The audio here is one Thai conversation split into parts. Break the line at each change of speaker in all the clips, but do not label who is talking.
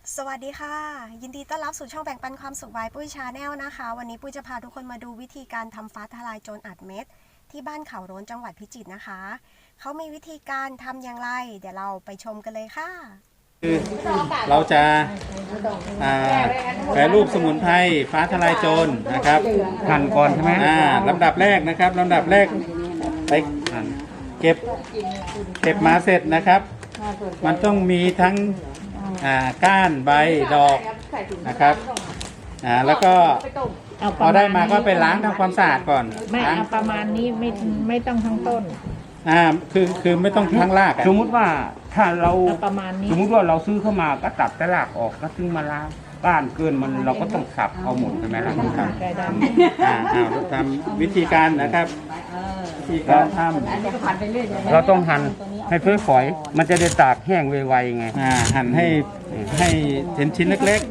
สวัสดีค่ะยินดีต้อนรับสู่ช่องแบ่งปันความสุขบายปุ้ยชาแนลนะคะวันนี้ปุ้ยจะพาทุกคนมาดูวิธีการทำฟ้าทลายโจรอัดเม็ดที่บ้านเขาโรนจังหวัดพิจิตรนะคะเขามีวิธีการทำอย่างไรเดี๋ยวเราไปชมกันเลยค่ะ
คือเราจะแปรรูปสมุนไพรฟ้าทลายโจรนะครับหั่นก่อนใช่ไหมลำดับแรกนะครับลำดับแรกไปเก็บมาเสร็จนะครับมันต้องมีทั้งก้านใบดอกนะครับแล้วก็พอได้มาก็ไปล้างทำความสะอาดก่อน
ไม่เอาประมาณนี้ไม่ต้องทั้งต้น
คือไม่ต้องทั้งราก
สมมุติว่าถ้าเรา
ประมาณนี้
สมมุติว่าเราซื้อเข้ามาก็ตัดแต่รากออกก็ซื้อมาล้างก้านเกินมันเราก็ต้องสับเอาหมดใช่ไหมล่ะครับ
ทำวิธีการนะครับวิธีการทำ
เราต้องหั่นให้ฝอยๆมันจะได้ตากแห้งไวๆไง
หั่นให้เป็นชิ้นเล็ก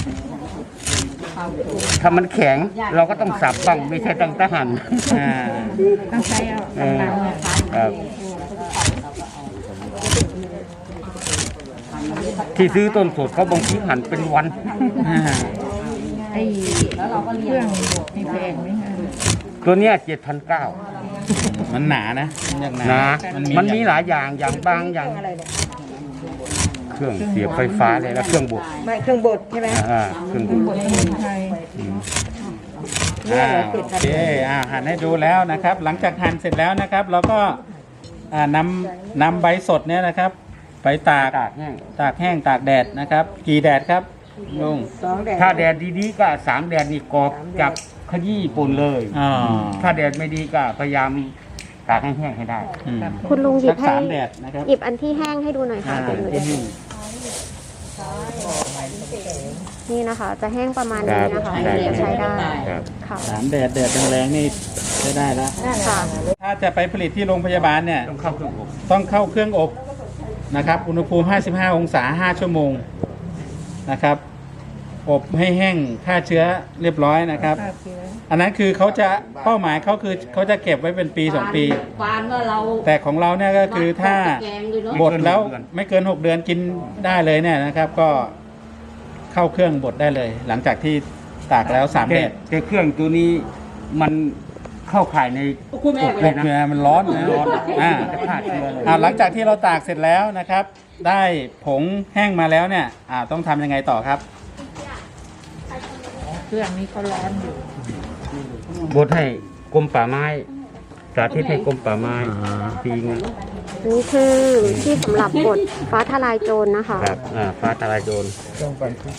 ถ้ามันแข็งเราก็ต้องสับบ้างไม่ใช่ตั้งแต่หั่น
ต้องใช้เอา
ที่ซื้อต้นสดเขาบางทีหั่นเป็นวัน
ไอ้เครื่องมีแพงไหมคะ
ตัวเนี้ย7,900
มันหนานะ
มันมีหลายอย่างบางอย่างเครื่องเสียบไฟฟ้าเลยแล้วเครื่องบด
เครื่องบดใช่ไหม
เครื่องบด
สมุนไพร
โอเคหั่นให้ดูแล้วนะครับหลังจากหั่นเสร็จแล้วนะครับเราก็นำใบสดเนี่ยนะครับไปตากแห้งตากแดดนะครับกี่แดดครับลุง
ถ้าแดดดีๆก็3 แดดนี่กรอบจับขยี้ปุ่นเลยถ้าแดดไม่ดีก็พยายามตากให้แห้งให้ได้
คุณลุงหยิบให้
แดดนะครับ
หยิบอันที่แห้งให้ดูหน่อยค่ะนี่นะคะจะแห้งประมาณนี้นะคะจะใช้ได้
ค่ะ3 แดดแรงๆนี่ใช้ได้แล้วถ้าจะไปผลิตที่โรงพยาบาลเนี่ยต้องเข้าเครื่องอบนะครับอุณหภูมิ55 องศา5 ชั่วโมงนะครับอบให้แห้งฆ่าเชื้อเรียบร้อยนะครับอันนั้นคือเขาจะเป้าหมายเขาคือเขาจะเก็บไว้เป็นปี2 ปีแต่ของเราเนี่ยก็คือถ้าบดแล้วไม่เกิน6 เดือนกินได้เลยเนี่ยนะครับก็เข้าเครื่องบดได้เลยหลังจากที่ตากแล้ว3 แดด
แต่เครื่องตัวนี้มันเข้าข่ายใน
อบเลยมันร้อนหลังจากที่เราตากเสร็จแล้วนะครับได้ผงแห้งมาแล้วเนี่ยต้องทำยังไงต่อครับ
เครื่องนี้เขาร้อนอยู่
บดให้กรมป่าไม้สาธิตให้กรมป่าไม้ทีนึง
นี่คือที่สำหรับบดฟ้าทลายโจรนะคะ
ครับฟ้าทลายโจร
ต้องปั่นพริก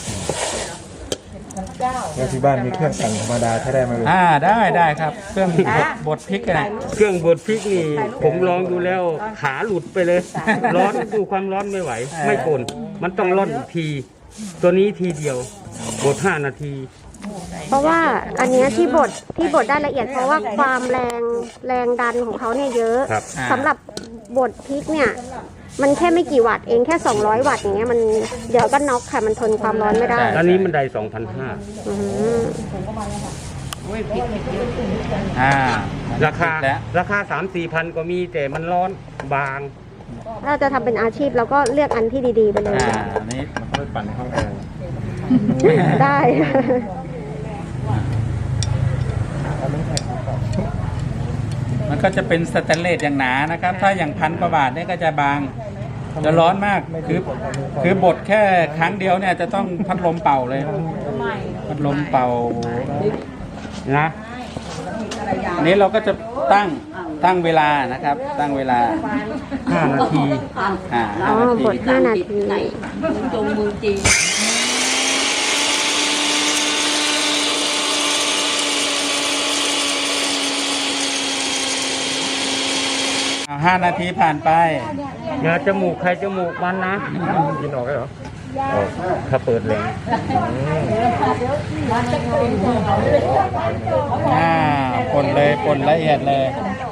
แล้วที่บ้านมีเครื่องปั่นธรรมดาใช้ได้ไหม
ได้ครับเครื่องบดพริกอะไร
เครื่องบดพริกนี่ผมลองดูแล้วขาหลุดไปเลยร้อนดูความร้อนไม่ไหวไม่กลนมันต้องร่อนอีกทีตัวนี้ทีเดียวบด5 นาที
เพราะว่าอันนี้ที่บดได้ละเอียดเพราะว่าความแรงดันของเขาเนี่ยเยอะสำหรับบดพริกเนี่ยมันแค่ไม่กี่วัตต์เองแค่200 วัตต์อย่างเงี้ยมันเดี๋ยวก็น็อกค่ะมันทนความร้อนไม่ได้
อันนี้มันได้ 2,500ราคา 3-4 พันก็มีแต่มันร้อนบาง
ถ้าจะทำเป็นอาชีพเราก็เลือกอันที่ดีๆไปเลย
อันนี้มันก็ปั่นเข้า
ได้
มันก็จะเป็นสแตนเลสอย่างหนานะครับถ้าอย่าง1,000 กว่าบาทเนี่ยก็จะบางจะร้อนมากคือบดแค่ครั้งเดียวเนี่ยจะต้องพัดลมเป่าเลยพัดลมเป่า
นะ
อันนี้เราก็จะตั้งเวลานะครับตั้งเวลา
5 นาที
บด5 นาที
จงมือจริง
5 นาทีผ่านไป
อย่าจมูกใครจมูกมันนะ
กินออกได้เหรอ
ถ้าเปิดแรง
ป่นละเอียดเลย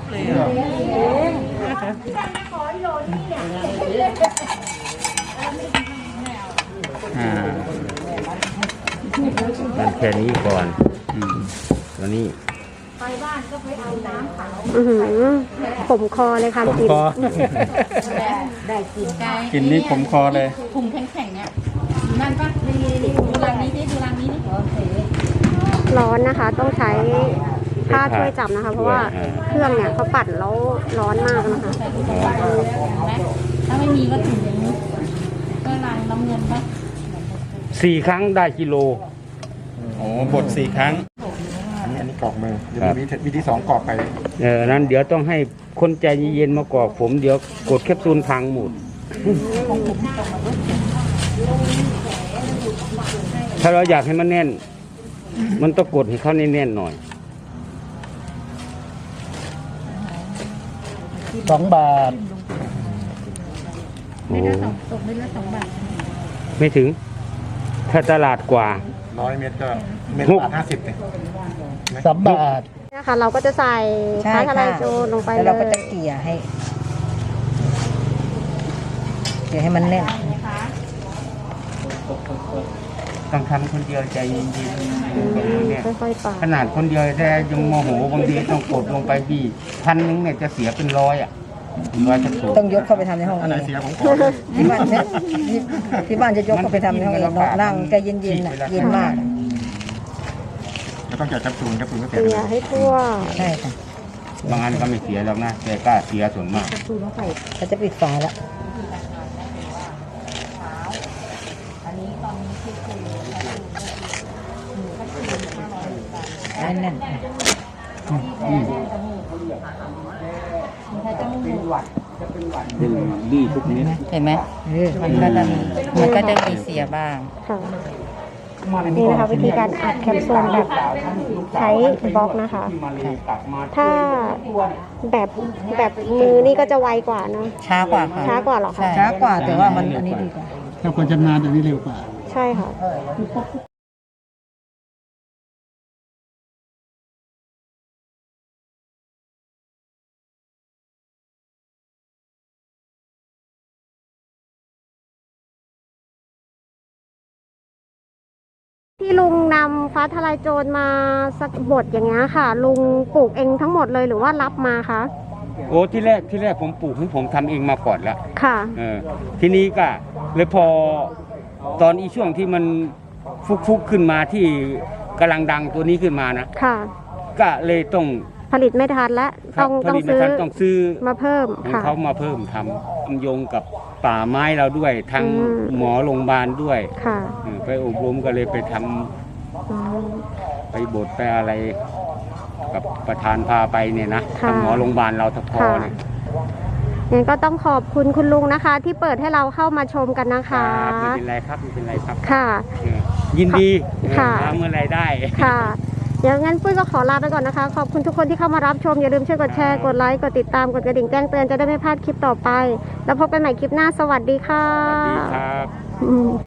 มันแค่นี้ก่อนตัวนี้
ไปบ้านก็ไปเอาน้ำเผาผมคอเลยค่ะ
ผมคอ
ได้กิน
กินนี่ผมคอเลย
ถุงแข็งๆเนี่ยนั่นปะดูรังนี้ดิดูรังนี้ดิโอเค
ร้อนนะคะ ต้องใช้ผ้าช่วยจับนะคะ เพราะว่าเครื่องเนี่ยเขาปั่นแล้วร้อนมากนะคะ
ใส่ถุงมือเห็นไหมถ้าไม่มีก็ถุงก็รังน้ำเงินปะ
4 ครั้งได้กิโล
โอ้บด4 ครั้ง
อันนี้กรอกมือเดี๋ยวมีวิธี2กรอกไป
นั้นเดี๋ยวต้องให้คนใจเย็นๆมากรอกผมเดี๋ยวกดแคปซูลพังหมด ถ้าเราอยากให้มันแน่น มันต้องกดให้เขาแน่นๆหน่อย
2 บาท
โอ้
ตกเม็ดละ2 บาท
ไม่ถึง ถ้าตลาดกว่า
100 เมตรก็เมตรบาท50เนี่ย
3 บาท
นะคะ เราก็จะใส่
ใช่
ฟ้าทลาย
ค่ะ
โจรลงไป
แล้ว
เล
เราก็
ย
จะเกลี่ยให้มันแน่น
ต้องทำคนเดียวใจเย็นๆเนี่ย
ค่อยๆปาด
ขนาดคนเดียวแต่ยังโมโหบางทีต้องกดลงไปพี่1,000เนี่ยจะเสียเป็น100อ่ะ100กระปุก
ต้องยกเข้าไปทำในห้อง
อันไหน
เอง
เสียผมขอ
ที่บ้านเนี่ยที่บ้านจะยกเข้าไปทำในห้องเองเนาะนั่งใจเย็นๆน่ะเย็นมาก
แล้วต้องแกะแคปซูลก็
เกลี่ยให้ทั่ว
ใช่ค่ะ
บางอันก็ไม่เสียหรอกนะแต่ก็เสียส่วนมาก
เราจะปิดฝาแล้วแน่น
ดีทุกนิด
เห็นไหม
ๆเออ
มันก็จะมีเสียบ้าง
ค่ะนี่นะคะวิธีการอัดแคปซูลแบบใช้บล็อกนะคะ ถ้าแบบมือนี่ก็จะไวกว่าเนาะ
ช้ากว่าค่ะ
ช้ากว่าเหรอคะ
ช้ากว่าแต่ว่ามันอันนี้ดีกว่า
ถ้าคนชำนาญอันนี้เร็วกว่า
ใช่ค่ะ ที่ลุงนำฟ้าทลายโจรมาสักบทอย่างเงี้ยค่ะ ลุงปลูกเองทั้งหมดเลยหรือว่ารับมาคะ
โอ้ที่แรกผมปลูกให้ผมทำเองมาก่อนแล้ว
ค่ะ
ทีนี้ก็เลยพอตอนอีช่วงที่มันฟุกขึ้นมาที่กำลังดังตัวนี้ขึ้นมานะ
ค่ะ
ก็เลยต้อง
ผลิตไม่ทันและต้อง
ผลิตไม่
ซื้อ
ทันต้องซื้อ
มาเพิ่ม
ให้
ค่ะ
เขามาเพิ่มทำโยงกับป่าไม้เราด้วยทาง
อืม
หมอโรงพยาบาลด้วย
ค่ะ
ไปอบรมก็เลยไปทำ
อืม
ไปบทไปอะไร กับประธานพาไปเนี่ยนะ
ค่ะ
ทางหมอโรงพยาบาลเราทพอเนี่ย
งั้นก็ต้องขอบคุณคุณลุงนะคะ ที่เปิดให้เราเข้ามาชมกันนะ
ครั
คะ
บไม่เป็นไรครับไม่เป็นไรครับ
ค่ะ
ยินดี
ค่ะ
ทำเมื่อไรได้
ค่ะเดี๋ยวงั้นปุ้ยก็ขอลาไปก่อนนะคะ ขอบคุณทุกคนที่เข้ามารับชม อย่าลืมช่วยกดแชร์ กดไลค์ กดติดตาม กดกระดิ่งแจ้งเตือนจะได้ไม่พลาดคลิปต่อไป แล้วพบกันใหม่คลิปหน้า สวัสดีค่ะ
สวัสดีครับ
อืม